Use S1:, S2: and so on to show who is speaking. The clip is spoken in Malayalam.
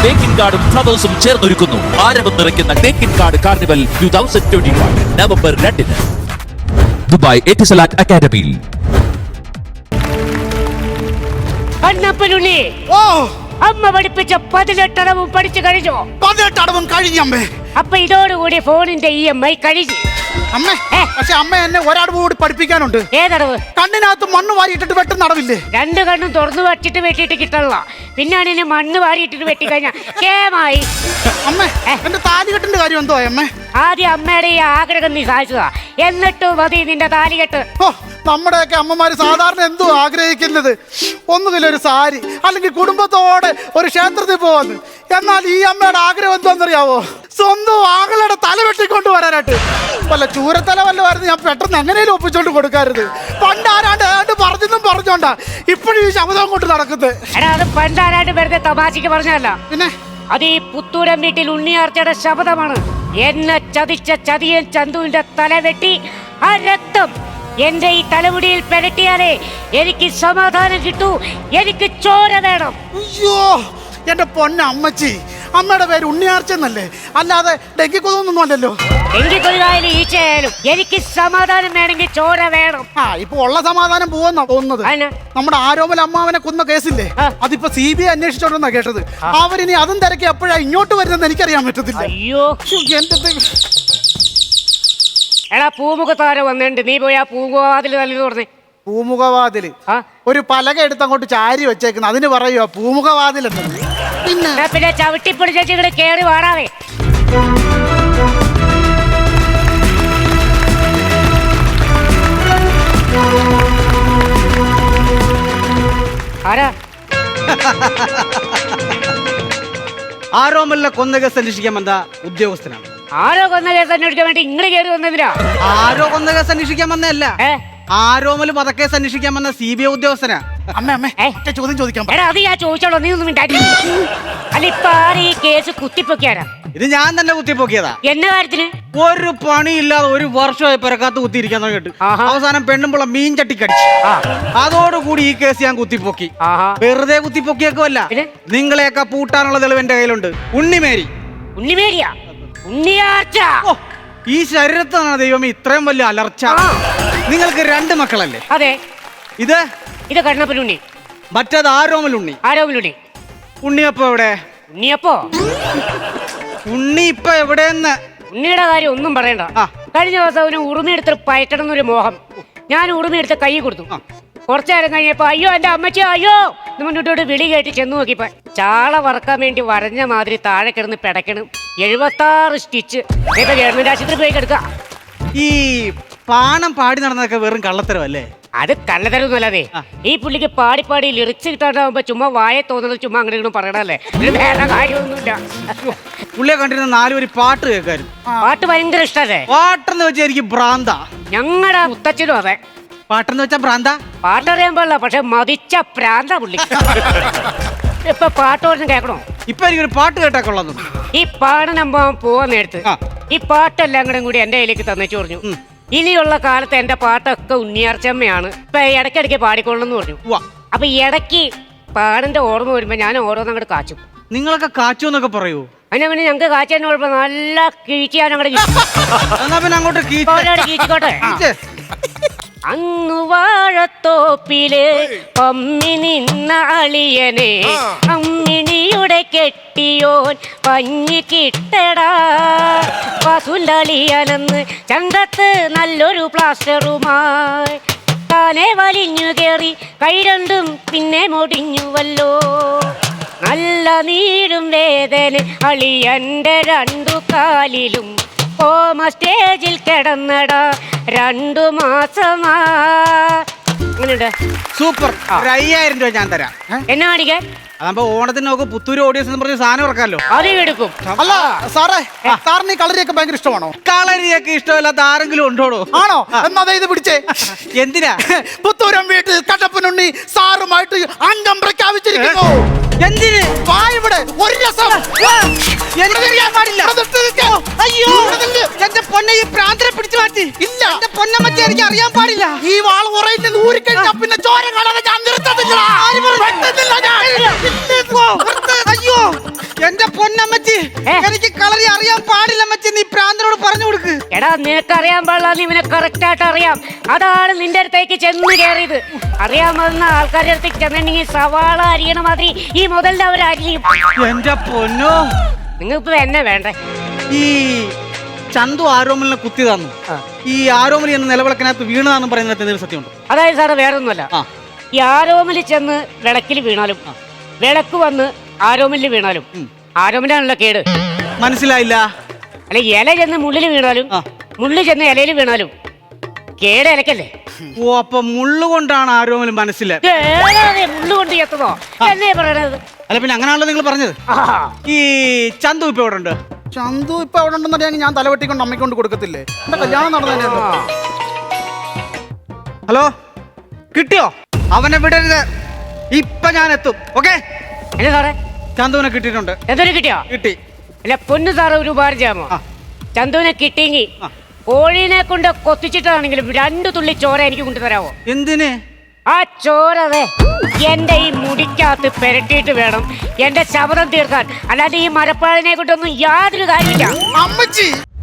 S1: തേക്കിൻ കാർഡും ഫ്ലവേഴ്സും ചേർന്നൊരുക്കുന്നു ആരവം നിറയ്ക്കുന്ന തേക്കിൻ കാർഡ് കാർണിവൽ 2021 നവംബർ 2 ദുബായ് എറ്റിസലാറ്റ് അക്കാദമിയിൽ.
S2: കണ്ണപ്പനുണ്ണി,
S3: ഓ,
S2: അമ്മ പഠിപ്പിച്ച 18 അടവും പഠിച്ചു കഴിഞ്ഞോ?
S3: 18 അടവും കഴിഞ്ഞമ്മേ.
S2: അപ്പൊ ഇതോടുകൂടി ഫോണിന്റെ EMI കഴിഞ്ഞു.
S3: അമ്മേ, പക്ഷെ അമ്മ എന്നെ ഒരടവ് കൂടി പഠിപ്പിക്കാനുണ്ട്.
S2: ഏതടവ്?
S3: കണ്ണിനകത്ത് മണ്ണ് വാരിയിട്ടിട്ട് വെട്ടുന്ന അടവില്ലേ?
S2: 2 കണ്ണും തുറന്നു വച്ചിട്ട് വെട്ടിയിട്ട് കിട്ടണല്ല. പിന്നാണ് ഇനി മണ്ണ് വാരിയിട്ടിട്ട് വെട്ടിക്കഴിഞ്ഞാ കേമായി.
S3: അമ്മേ, എന്റെ താലികെട്ടിന്റെ കാര്യം എന്തോ അമ്മേ?
S2: ആദ്യം അമ്മയുടെ ഈ ആഗ്രഹം നീ സാധിച്ചതാ, എന്നിട്ട് മതി നിന്റെ താലികെട്ട്.
S3: ഓ, നമ്മുടെയൊക്കെ അമ്മമാര് സാധാരണ എന്തോ ആഗ്രഹിക്കുന്നത്, ഒന്നുകിൽ ഒരു സാരി അല്ലെങ്കിൽ കുടുംബത്തോടെ ഒരു ക്ഷേത്രത്തിൽ പോവാന്ന്. എന്നാൽ ഈ അമ്മയുടെ ആഗ്രഹം എന്താണെന്നറിയാവോ? സ്വന്തം ആകളുടെ തല വെട്ടിക്കൊണ്ട് വരാനായിട്ട്. വല്ല ചൂരത്തല വല്ലമായിരുന്നു ഞാൻ പെട്ടെന്ന് എങ്ങനെയും ഒപ്പിച്ചോണ്ട് കൊടുക്കാറുത്. പണ്ട് ആരാണ്ട് പറഞ്ഞെന്നും പറഞ്ഞോണ്ടാ ഇപ്പോഴും ഈ ശബ്ദം കൊണ്ട് നടക്കുന്നത്.
S2: എടാ, അത് പണ്ടാരായിട്ട് വെറുതെ തമാശക്ക് പറഞ്ഞല്ല.
S3: പിന്നെ
S2: അത് ഈ പുത്തൂരം വീട്ടിൽ ഉണ്ണിയാർച്ചയുടെ ശബ്ദമാണ്. എന്നെ ചതിച്ച ചതിയൻ ചന്തുവിന്റെ തല വെട്ടി ആ രക്തം എന്റെ ഈ തലമുടിയിൽ പെരട്ടിയാലേ എനിക്ക് സമാധാനം കിട്ടൂ. എനിക്ക് ചോര വേണം.
S3: അയ്യോ, എന്റെ പൊന്ന അമ്മച്ചി, അമ്മയുടെ പേര് ഉണ്ണിയാർച്ചെന്നല്ലേ, അല്ലാതെ ഡെങ്കിക്കൊതൊന്നും അല്ലല്ലോ.
S2: ഡെങ്കിക്കൊതുകായാലും ഈച്ചയായാലും എനിക്ക് സമാധാനം വേണമെങ്കിൽ ചോര വേണം.
S3: ആ, ഇപ്പൊ ഉള്ള സമാധാനം പോവെന്നാ തോന്നുന്നത്. നമ്മുടെ ആരോമൽ അമ്മാവനെ കൊന്ന കേസില്ലേ, അതിപ്പോ CBI അന്വേഷിച്ചോണ്ടെന്നാ കേട്ടത്. അവരിനി അതും തിരക്കി എപ്പോഴാ ഇങ്ങോട്ട് വരുന്നെന്ന് എനിക്കറിയാൻ പറ്റത്തില്ല.
S2: അയ്യോ, എടാ പൂമുഖത്താര വന്നിട്ടുണ്ട്. നീ പോയി ആ പൂമുഖവാതിൽ തല്ലി തുറന്നേ.
S3: പൂമുഖവാതില് ഒരു പലക എടുത്ത് അങ്ങോട്ട് ചാരി വെച്ചേക്കുന്നത്, അതിന് പറയുക പൂമുഖവാതിൽ എന്ന്.
S2: പിന്നെ ചവിട്ടിപ്പിടിച്ചു ഇവിടെ കേറി വാടാവേ. ആരാ?
S4: ആരോമലിനെ കൊന്ന കേസ് അന്വേഷിക്കാൻ വന്ന ഉദ്യോഗസ്ഥനാണ്.
S2: ആരോ കൊന്ന കേസ് അന്വേഷിക്കാൻ വേണ്ടി ഇങ്ങള് കയറി വന്നതിനാ?
S4: ആരോ കൊന്ന കേസ് അന്വേഷിക്കാൻ വന്നതല്ല, ആരോമൽ വധക്കേസ് അന്വേഷിക്കാൻ വന്ന CBI ഉദ്യോഗസ്ഥനാ.
S3: അമ്മ ചോദ്യം ചോദിക്കാം.
S2: എടാ, അത് ഞാൻ ചോദിച്ചോളൂ, നീ ഒന്നും മിണ്ടാക്കി. അല്ല, ഇപ്പൊ ആര് ഈ കേസ് കുത്തിപ്പൊക്കിയാരാ?
S4: ഇത് ഞാൻ തന്നെ കുത്തിപ്പൊക്കിയതാ.
S2: എന്ന കാര്യത്തിന്?
S4: ഒരു പണിയില്ലാതെ 1 വർഷമായി പെരക്കാത്ത് കുത്തിയിരിക്കാൻ തുടങ്ങിയിട്ട് അവസാനം പെണ്ണുമ്പുള്ള മീൻ ചട്ടിക്കടിച്ചു. അതോടുകൂടി ഈ കേസ് ഞാൻ കുത്തിപ്പൊക്കി. വെറുതെ കുത്തിപ്പൊക്കിയേക്കുമല്ല, നിങ്ങളെയൊക്കെ പൂട്ടാനുള്ള തെളിവ് എന്റെ കയ്യിലുണ്ട്. ഉണ്ണിമേരി.
S2: ഉണ്ണിമേരിയാ? ഉണ്ണിയാർച്ച?
S4: ഈ ശരീരത്താണ് ദൈവം ഇത്രയും വലിയ അലർച്ച. നിങ്ങൾക്ക് 2 മക്കളല്ലേ?
S2: അതെ.
S4: ഇത്
S2: കണ്ണപ്പനുണ്ണി,
S4: മറ്റേത് ആരോമലുണ്ണി.
S2: ആരോമലുണ്ണി.
S4: ഉണ്ണിയപ്പോ എവിടെ?
S2: ഉണ്ണിയപ്പോ?
S4: ഉണ്ണി ഇപ്പൊ എവിടെയെന്ന്?
S2: ഉണ്ണിയുടെ കാര്യം ഒന്നും പറയണ്ട. കഴിഞ്ഞ ദിവസം അവന് ഉറുമിയെടുത്ത് പയറ്റണം എന്നൊരു മോഹം. ഞാൻ ഉറുമിയെടുത്ത് കൈ കൊടുത്തു. കുറച്ചു നേരം കഴിഞ്ഞപ്പോ അയ്യോ എന്റെ അമ്മച്ചി അയ്യോ മുന്നോട്ടോട്ട് വിളി കേട്ട് ചെന്ന് നോക്കിപ്പോ ചാള വറക്കാൻ വേണ്ടി വരഞ്ഞ മാതിരി താഴെ കിടന്ന് പിടയ്ക്കണം. 76 സ്റ്റിച്ച്. ഇപ്പൊ ഗവൺമെന്റ് ആശുപത്രി പോയി കിടക്കുക.
S4: ഈ പാണം പാടി നടന്നതൊക്കെ വെറും കള്ളത്തരമല്ലേ?
S2: അത് കള്ളത്തരൊന്നുമല്ലാതെ ഈ പുള്ളിക്ക് പാടി പാടി ലിറിക്സ് കിട്ടാണ്ടാവുമ്പോ ചുമ്മാ വായ തോന്നുന്നത് ചുമ്മാ അങ്ങനെ പറയണല്ലേ, വേറെ കാര്യമൊന്നുമില്ല.
S4: പുള്ളിയെ കണ്ടിരുന്ന 4 വരി പാട്ട് കേൾക്കാരും.
S2: പാട്ട് ഭയങ്കര ഇഷ്ടല്ലേ?
S4: പാട്ടെന്ന് വെച്ചാൽ എനിക്ക് ഭ്രാന്ത.
S2: ഞങ്ങളുടെ മുത്തച്ഛനും അതെ.
S4: പാട്ടെന്ന് വെച്ചാ ഭ്രാന്ത?
S2: പാട്ടറിയാൻ പാടില്ല, പക്ഷെ മതിച്ച പ്രാന്ത പുള്ളി. ഇപ്പൊ പാട്ടോടൊന്നും കേൾക്കണോ?
S4: ഇപ്പൊ എനിക്കൊരു പാട്ട് കേട്ടാ കൊള്ളാന്നു.
S2: ഈ പാടനമ്പോ പോവാൻ നേരത്ത് ഈ പാട്ടെല്ലാം കൂടി എന്റെ കയ്യിലേക്ക് തന്നേച്ചു പറഞ്ഞു, ഇനിയുള്ള കാലത്ത് എന്റെ പാട്ടൊക്കെ ഉണ്ണിയാർച്ചമ്മയാണ്, ഇപ്പൊ ഇടയ്ക്കിടയ്ക്ക് പാടിക്കൊള്ളെന്ന് പറഞ്ഞു. അപ്പൊ ഇടയ്ക്ക് പാടിന്റെ ഓർമ്മ വരുമ്പോ ഞാൻ ഓരോന്നങ്ങോട്ട് കാച്ചും.
S4: നിങ്ങളൊക്കെ കാച്ചു എന്നൊക്കെ പറയൂ?
S2: അതിനെ പിന്നെ ഞങ്ങക്ക് കാച്ചാൻ കുഴപ്പം നല്ല കീച്ചിയാനങ്ങോട്ട് കീച്ചിക്കോട്ടെ. അന്നു വാഴത്തോപ്പില് പമ്മി നിന്ന അളിയനെ അമ്മിണിയുടെ കെട്ടിയോൻ പഞ്ഞി കിട്ടടാ. വസുലളിയനെന്ന് ചന്തത്ത് നല്ലൊരു പ്ലാസ്റ്ററുമായി താനെ വലിഞ്ഞു കേറി കൈ രണ്ടും പിന്നെ മുടിഞ്ഞുവല്ലോ. നല്ല നീരും വേദന അളിയന്റെ 2 കാലിലും ഓമ സ്റ്റേജിൽ കിടന്നടാ 2 മാസമാ. അങ്ങനെയുണ്ട്.
S4: സൂപ്പർ. 5000 രൂപ ഞാൻ തരാം.
S2: എന്നെ കാണിക്കാൻ?
S4: അതാകുമ്പോ ഓണത്തിന് നോക്ക് പുത്തൂര് ഓഡിയൻസ് എന്ന് പറഞ്ഞ് സാധനം ഇറക്കാമല്ലോ.
S2: ആദ്യം എടുക്കും.
S3: അല്ല സാറേ, സാറിന് ഈ കളരിയൊക്കെ ഭയങ്കര ഇഷ്ടമാണോ?
S4: കളരിയൊക്കെ ഇഷ്ടമല്ലാത്ത ആരെങ്കിലും ഉണ്ടോടോ?
S3: ആണോ? എന്നാ ഇത് പിടിച്ചേ.
S4: എന്തിനാ?
S3: പുത്തൂരം വീട്ടിൽ കട്ടപ്പനുണ്ണി സാറുമായിട്ട് അംഗം പ്രഖ്യാപിച്ചിരിക്കുന്നു.
S4: എന്തിന്?
S3: ഇവിടെ ഒരു രസം.
S4: എനിക്കറിയാൻ പാടില്ല. അയ്യോ എന്റെ പൊന്നെ ഈ പ്രാന്തരെ പിടിച്ചു മാറ്റി.
S3: ഇല്ല.
S4: എന്റെ പൊന്നമ്മച്ചി എനിക്ക് അറിയാൻ പാടില്ല.
S3: ഈ വാൾ ഉറയിട്ട് ഊരിക്കഴിഞ്ഞാ പിന്നെ ചോര കാണാതെ ഞാൻ നിർത്തത്തില്ല. വെട്ടുന്നില്ല ഞാൻ.
S4: അയ്യോ എന്റെ പൊന്നമ്മച്ചി എനിക്ക് കളറി അറിയാൻ പാടില്ല അമ്മച്ചി. നീ പ്രാന്തനോട് പറഞ്ഞു കൊടുക്ക്.
S2: എടാ നിനക്ക് അറിയാൻ പാടില്ല, നീ ഇവനെ കറക്റ്റ് ആയിട്ട് അറിയാം. അതാണ് നിന്റെ അടുത്തേക്ക് ചെന്ന് കയറിയത്. അറിയാമെന്ന ആൾക്കാരുടെ അടുത്തേക്ക് ചെന്നിട്ടുണ്ടെങ്കിൽ സവാള അരിയണ മാതിരി ഈ മുതലിന്റെ അവർ അരിയും.
S4: എന്റെ പൊന്നോ
S2: നിങ്ങൾക്ക് എന്നെ വേണ്ടേ?
S4: ഈ ചന്തു ആരോമലിനെ കുത്തി തന്നു. ഈ ആരോമലി എന്ന നിലവിളക്കിനകത്ത് വീണതാണെന്ന് പറയുന്നത് എന്തെങ്കിലും സത്യമുണ്ടോ?
S2: അതായത് സാറ് വേറൊന്നുമല്ല, ഈ ആരോമല് ചെന്ന് വിളക്കിൽ വീണാലും വിളക്ക് വന്ന് ആരോമലിൽ വീണാലും ആരോമലാണല്ലോ കേട്.
S4: മനസ്സിലായില്ല.
S2: അല്ലെ ഇല ചെന്ന് മുള്ളിൽ വീണാലും മുള്ളു ചെന്ന് ഇലയിൽ വീണാലും കേട് ഇലക്കല്ലേ.
S4: ഓ അപ്പൊ മുള്ളുകൊണ്ടാണ് ആരോമൽ മനസ്സിലായി.
S2: മുള്ളു കൊണ്ട് എത്തതോ എന്നേ പറയണത്.
S4: അല്ല പിന്നെ അങ്ങനെയാണല്ലോ നിങ്ങൾ പറഞ്ഞത്. ഈ ചന്തു ഇപ്പൊ എവിടെ ഉണ്ട്?
S3: ചന്തു ഇപ്പൊ അവിടെ ഉണ്ടെന്നറിയാമെങ്കിൽ ഞാൻ തലവെട്ടിക്കൊണ്ട് അമ്മയ്ക്കൊണ്ട് കൊടുക്കത്തില്ലേ? എന്റെ കല്യാണം നടന്നതന്നെയല്ലോ.
S4: ഹലോ കിട്ടിയോ? അവനെ വിടരുത്. ഇപ്പൊ ഞാൻ എത്തും. ഓക്കെ
S2: എന്നാ സാറേ?
S4: ചന്തുവിനെ കിട്ടിയിട്ടുണ്ട്.
S2: എന്തൊരു കിട്ടിയോ?
S4: കിട്ടി.
S2: അല്ല പൊന്നു സാറ് ഒരു ഉപകാരം ചെയ്യാമോ? ചന്തുവിനെ കിട്ടിയെങ്കിൽ കോഴീനെ കൊണ്ട് കൊത്തിച്ചിട്ടാണെങ്കിലും 2 തുള്ളി ചോര എനിക്ക് കൊണ്ടുതരാമോ?
S4: എന്തിന്?
S2: ആ ചോരവേ എന്റെ ഈ മുടിക്കകത്ത് പെരട്ടിയിട്ട് വേണം എന്റെ ശബ്ദം തീർക്കാൻ. അല്ലാതെ ഈ മരപ്പാഴിനെ കൊണ്ടൊന്നും യാതൊരു കാര്യമില്ല.
S3: അമ്മച്ചി